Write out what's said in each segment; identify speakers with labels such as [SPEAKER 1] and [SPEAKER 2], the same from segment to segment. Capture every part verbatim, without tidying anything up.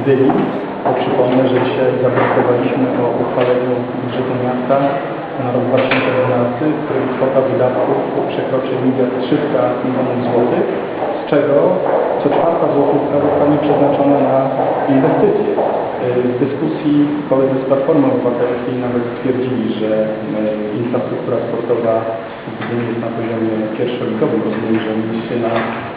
[SPEAKER 1] Gdyni. To przypomnę, że dzisiaj zadecydowaliśmy o uchwaleniu budżetu miasta na rok dwa tysiące dwunasty, w którym kwota wydatków przekroczy miliard trzysta milionów złotych, z czego co czwarta złotówka zostanie przeznaczona na inwestycje. W dyskusji koledzy z Platformy Obywatelskiej nawet stwierdzili, że infrastruktura sportowa w Gdyni jest na poziomie pierwszoligowym. Rozumiem, że mieliście na,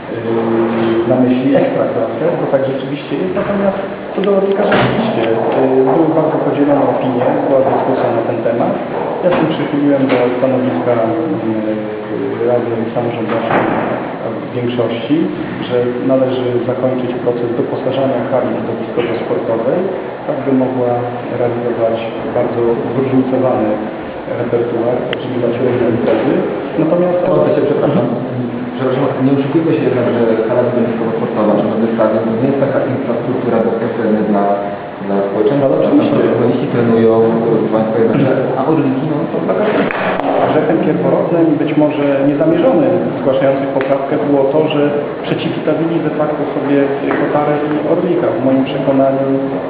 [SPEAKER 1] na myśli ekstraklasę, bo tak rzeczywiście jest. Natomiast co do Orlika rzeczywiście były bardzo podzielone opinie, była dyskusja na ten temat. Ja się przychyliłem do stanowiska Rady Samorządowskiej w większości, że należy zakończyć proces doposażania hali widowiskowo-sportowej, tak by mogła realizować bardzo zróżnicowany repertuar, oczekiwać różne imprezy. Natomiast...
[SPEAKER 2] Się, przepraszam, przepraszam, nie oszukujmy się jednak, że hala widowiskowo-sportowa czy nowy stadion to nie jest taka infrastruktura bezpośrednia dla, dla społeczeństwa. Zawodnicy trenują, państwo mecze, a Orliki no to taka...
[SPEAKER 1] Grzechem pierworodnym, być może niezamierzonym zgłaszających poprawkę było to, że przeciwstawili de facto sobie Kotarę i Orlika. W moim przekonaniu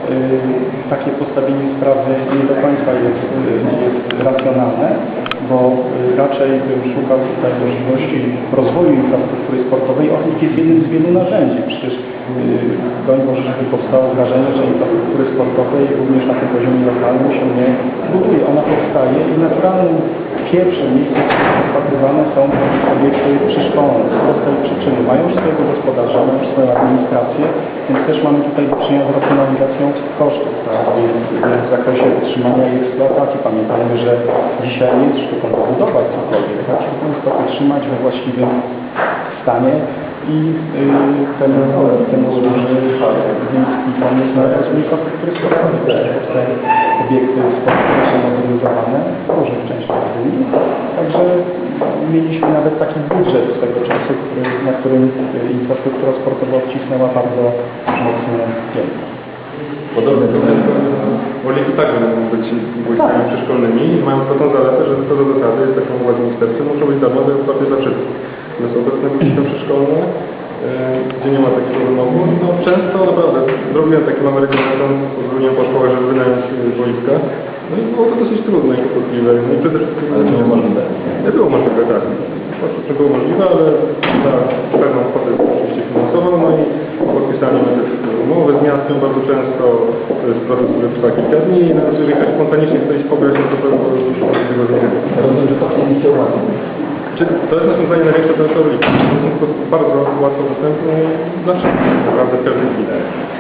[SPEAKER 1] y, takie postawienie sprawy nie do końca jest, y, jest racjonalne, bo y, raczej bym szukał tutaj możliwości rozwoju infrastruktury sportowej. Orlik jest jednym z wielu narzędzi. Przecież y, doń Boże, żeby powstało wrażenie, że infrastruktury sportowej również na tym poziomie lokalnym się nie buduje. Ona powstaje i naturalnym pierwszym miejscem, gdzie rozpatrywane są obiekty przyszkolne. Z tej przyczyny mają już swojego gospodarza, mają już swoją administrację, więc też mamy tutaj do czynienia z racjonalizacją kosztów, tak? W zakresie utrzymania i eksploatacji. Pamiętajmy, że dzisiaj nie jest sztuką budować cokolwiek, tak? Sztuką jest to utrzymać we właściwym stanie i yy, ten, ten służy wiejski pomysł na rozwój infrastruktury sportowej. Te obiekty sportowe są modernizowane w różnych częściach Gdyni. Także mieliśmy nawet taki budżet swego czasu, który, na którym infrastruktura sportowa odcisnęła bardzo mocno piętno.
[SPEAKER 3] Podobnie do tego, Orliki także mogą być wojskami przeszkolnymi i mają to tą zaletę, że to do zasady jest taką władzą ministerstwa, muszą być darmowe i otwarte dla wszystkich. Natomiast obecne wojska przeszkolne, gdzie nie ma takiego wymogu, no często naprawdę zrobiłem taki mały rekomendacji, pozwoliłem po szkołach, żeby wynająć wojska. No i było to dosyć trudne i kłopotliwe. No i przede wszystkim...
[SPEAKER 2] Ale to było możliwe?
[SPEAKER 3] Nie było możliwe, tak. To było możliwe, ale za pewną kwotę oczywiście finansową, no i podpisanie też umowy z miastem bardzo często, to jest proces, który trwa kilka dni i nawet jeżeli ktoś spontanicznie chce iść pograć, no to pewno już od tego zmiany.
[SPEAKER 2] Rozumiem, że to chcieliście ułatwić.
[SPEAKER 3] To jest rozwiązanie największe dla Orlika. To jest po prostu bardzo łatwo dostępne dla wszystkich, naprawdę w każdej chwili.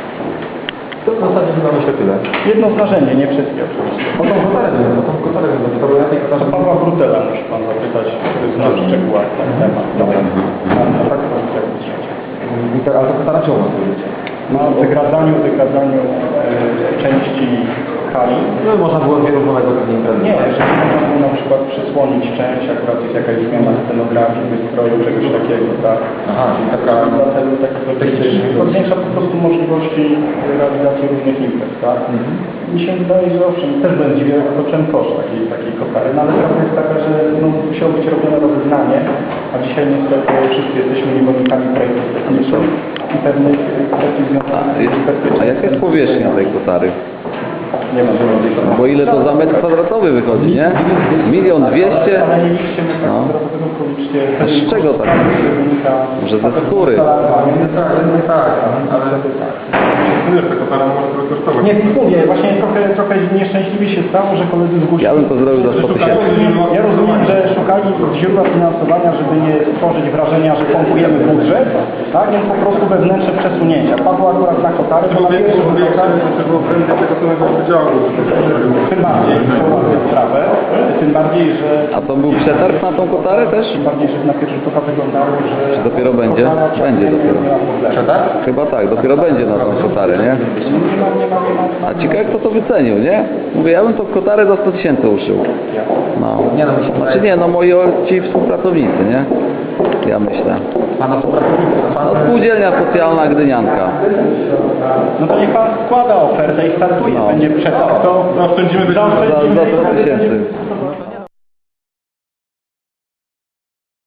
[SPEAKER 2] To w zasadzie chyba myślę tyle.
[SPEAKER 1] Jedno z narzędzi, nie wszystkie oczywiście.
[SPEAKER 2] O tą kotarę, o tą kotarę, to było na tej kotarze.
[SPEAKER 1] Pawła Brutela musi Pan zapytać, który zna w szczegółach ten temat.
[SPEAKER 2] Dobra.
[SPEAKER 1] A tak to jest.
[SPEAKER 2] Ale to kotara czemu ma powiedzieć?
[SPEAKER 1] No, o wygradzaniu, wygradzaniu e, części hali.
[SPEAKER 2] No można było zwiększonego pewnie imprezy.
[SPEAKER 1] Nie, że można było na przykład przysłonić część, akurat jest jakaś zmiana scenografii, wystroju, czegoś takiego, tak?
[SPEAKER 2] Aha, czyli taka...
[SPEAKER 1] Dlatego to zwiększa po prostu możliwości realizacji różnych imprez, tak? Mhm. Mi się wydaje, że owszem, też będę dziwił, jak toczyłem koszt takiej, takiej kotary, no ale prawda jest taka, że no, musiało być robione rozeznanie, a dzisiaj niestety wszyscy jesteśmy niewolnikami projektów technicznych i pewnych kwestii związanych z bezpieczeństwem.
[SPEAKER 4] A jaka jest powierzchnia tej kotary?
[SPEAKER 1] Nie ma żadnego.
[SPEAKER 4] Bo ile to za metr kwadratowy wychodzi, nie? Milion dwieście?
[SPEAKER 1] Ale nie liczcie metra
[SPEAKER 4] No.
[SPEAKER 1] kwadratowego, tylko liczcie...
[SPEAKER 4] A z czego tak? Może ze skóry?
[SPEAKER 1] Nie tak, nie tak, ale tak.
[SPEAKER 3] Wiesz, ta kotara może trochę kosztować.
[SPEAKER 1] Nie, mówię, właśnie trochę, trochę nieszczęśliwie się stało, że koledzy zgłosili...
[SPEAKER 4] Ja bym to zrobił za sto tysięcy.
[SPEAKER 1] Ja rozumiem, że szukali źródła finansowania, żeby nie stworzyć wrażenia, że pompujemy budżet, tak? Więc po prostu wewnętrzne przesunięcia. Padło akurat na kotary, bo na pierwszą kotary...
[SPEAKER 3] To było prędzej tego samego wydziału.
[SPEAKER 1] Tym bardziej, to ułatwia sprawę, tym bardziej, że...
[SPEAKER 4] A to był przetarg na tą kotarę też?
[SPEAKER 1] Tym bardziej, że na pierwszy rzut oka wyglądało, że...
[SPEAKER 4] Czy dopiero będzie? Będzie dopiero.
[SPEAKER 2] Przetarg?
[SPEAKER 4] Chyba tak, dopiero będzie na tą kotarę, nie? A ciekawe kto to wycenił, nie? Mówię, ja bym tą kotarę za sto tysięcy uszył. No.
[SPEAKER 2] Nie, no, mi się
[SPEAKER 4] Znaczy nie, no moi ci współpracownicy, nie? Ja myślę.
[SPEAKER 2] Pana współpracownika.
[SPEAKER 4] No spółdzielnia socjalna Gdynianka.
[SPEAKER 1] No to niech Pan składa ofertę i startuje.
[SPEAKER 4] No.
[SPEAKER 1] Będzie przetarg, to
[SPEAKER 3] Zaoszczędzimy
[SPEAKER 4] Za, za sto tysięcy.